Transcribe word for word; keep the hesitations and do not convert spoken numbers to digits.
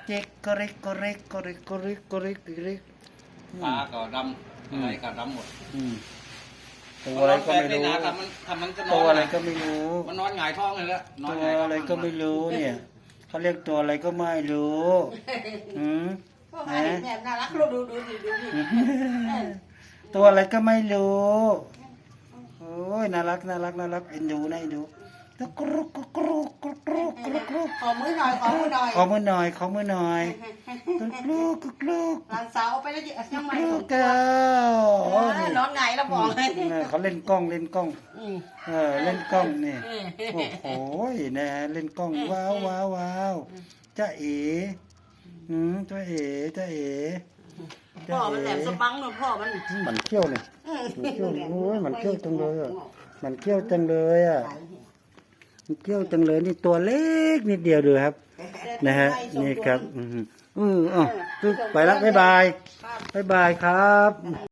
เจ๊กกริกกริกกริกกริกกริกกริกตาก็ดำอะไรก็ดำหมดอืมตัวอะไรก็ไม่รู้ทำมันทำมันจะนตัอวน อะไรก็ไม่รู้มันนอนหงายท้องเลยละนอตันวหงายท้องอะไรก็ไม่รู้เนี่ยเขาเรียกตัวอะไรก็ไม่รู้อืมพ่อมาเห็นแม่น่ารักดูดูดูดูดูดูตัวอะไรก็ไม่รู้โอ้ยน่ารักน่ารักน่ารักเอ็นดูนะเอ็นดูตะกรุกกรุกกรุกกรุกกรุกกรุกกรุกขอมือหน่อยขอมือหน่อยขอมือหน่อยขอมือหน่อยกรุกกรุกกรุกกรุกหลานสาวไปแล้วจิน้ำมันกรุกเก้าน้องไงเราบอกเลยเขาเล่นกล้องเล่นกล้องอืมเออเล่นกล้องนี่โอ้โหนะเล่นกล้องว้าวว้าวว้าวจ้าเอ๋อืมจ้าเอ๋จ้าเอ๋พ่อมันแหลมสปังเนาะพ่อมันมันเขี้ยวเนี่ยมันเขี้ยวโอ้ยมันเขี้ยวจังเลยอ่ะมันเขี้ยวจังเลยอ่ะมันเขี้ยวจังเลยนี่ตัวเล็กนิดเดียวดูครับนะฮะนี่ครับอืมอืออ๋อไปแล้วบ๊ายบายบ๊ายบายครับ